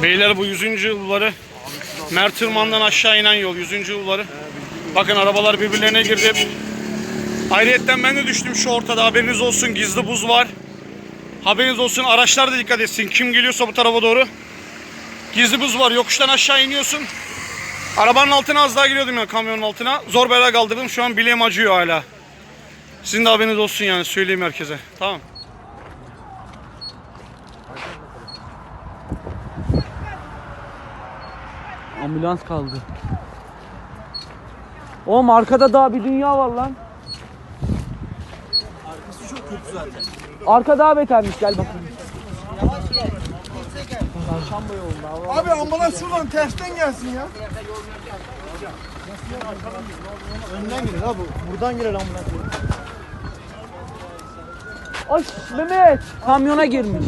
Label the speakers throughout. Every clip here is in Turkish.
Speaker 1: Beyler bu 100. yılları Mert Tırman'dan aşağı inen yol 100. yılları. Bakın arabalar birbirlerine girdi. Ayrıyetten ben de düştüm şu ortada, haberiniz olsun, gizli buz var. Haberiniz olsun, araçlar da dikkat etsin. Kim geliyorsa bu tarafa doğru. Gizli buz var, yokuştan aşağı iniyorsun. Arabanın altına az daha giriyordum ya, kamyonun altına. Zor bela kaldırdım, şu an bileğim acıyor hala. Sizin de haberiniz olsun yani, söyleyeyim herkese. Tamam.
Speaker 2: Ambulans kaldı. Oğlum arkada daha bir dünya var lan.
Speaker 3: Arkası çok kötü zaten.
Speaker 2: Arka daha betermiş, gel bakayım.
Speaker 3: Abi ambulans şuradan tersten gelsin ya. Önden girer abi. Buradan girer ambulans.
Speaker 2: Ay Mehmet, kamyona girmiş.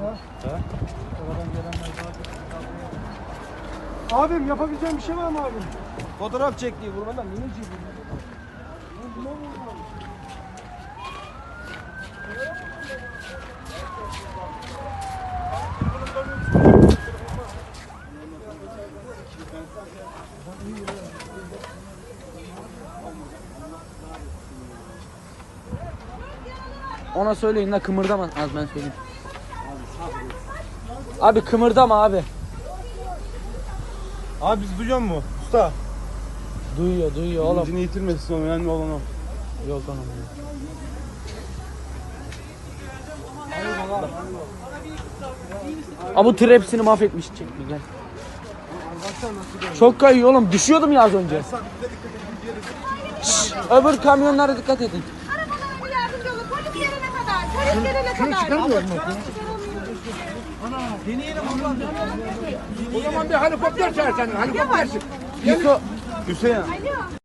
Speaker 3: Abim yapabileceğim bir şey var mı abi? Fotoğraf çektiği vurmadan niye çekiyorsun?
Speaker 2: Ona söyleyin la, kımırdama. Az ben söyleyeyim. Abi kımırdama abi.
Speaker 3: Abi biz duyuyor mu? Usta.
Speaker 2: Duyuyor oğlum.
Speaker 3: İncini yitirmesin, önemli olan o.
Speaker 2: Yok anam. Abi bu tır hepsini mahvetmiş, çek bir gel. Çok kayıyor oğlum, düşüyordum ya az önce. Şşş, öbür kamyonlara dikkat edin.
Speaker 4: Arabalar yardımcı olun. Polis gelene kadar. Polis gelene kadar.
Speaker 3: Çıkarmıyor mu?
Speaker 5: O zaman bir helikopter çağır sen. Helikopter.
Speaker 2: Yusuf,
Speaker 3: Hüseyin.
Speaker 4: Alo.